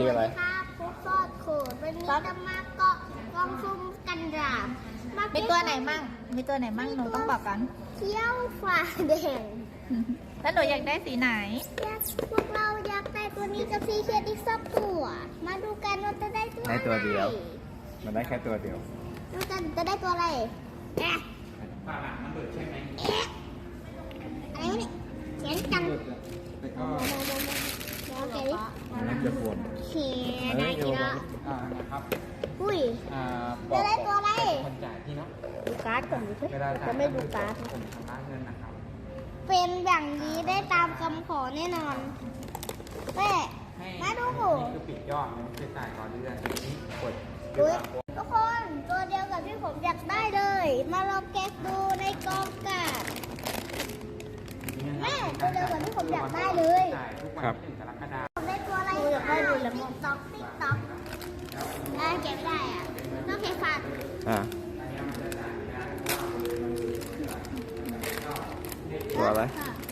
คืออะไรครับฟุกซอดโขดวันนี้จะมาเกาะกองซุ่มกันดาบมีตัวไหนมั่งหนูต้องบอกกันเขี้ยวฟ้าแดงแล้วหนูอยากได้สีไหนพวกเราอยากได้ตัวนี้กับซีเคดอีกสักตัว มาดูกันว่าจะได้ตัวได้ตัวเดียวอะไรมันได้แค่ตัวเดียวดูกันจะได้ตัวอะไรแอะอะไรวะเนี่ยเขียนจังโอเคมันน่าจะปวดเขียนได้กี่ละนะครับอุ้ยบอจะกได้ตัวอะไรคนจ่ายที่เนาะดูการ์ดก่อนดิเวลาจ่ายจะไม่ดูการ์ดผมชำระเงินนะครับเป็นอย่างนี้ได้ตามคำขอแน่นอนแม่ให้มาดูนี่คือปิดยอดมันคือจ่ายต่อเดือนนี้กดอุ๊ยทุกคนตัวเดียวกับที่ผมอยากได้เลย มาลองแกะดูในกองกาด แม่ตัวเดียวกับที่ผมอยากได้เลยจ่ายทุกวันที่1 กรกฎาคมผมได้ตัวอะไรอยากได้ดูแล้วติ๊กต๊อกได้แกะไม่ได้อ่ะต้องแกะฟันอ่ะตัวอะไร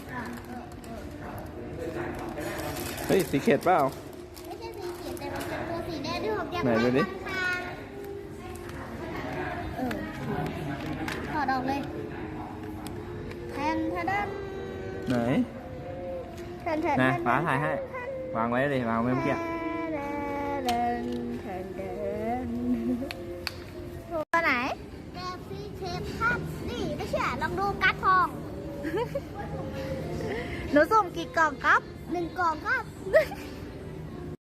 เฮ้ยสีเข็ดเปล่าไม่ใช่สีเขียวแต่มันเป็นตัวสีแดงที่ผมอยากไหนได้ดูดิทางถอดออกเลยแทนแทนไหนแทนแทนนะฟ้าถ่ายให้ วางไว้เลยวางไว้เมื่อกี้ตัวไหนแกฟีเทปครับนี่ไม่เชื่อลองดูการ์ดทองหนูสุ่มกี่กล่องครับ 1 กล่องครับ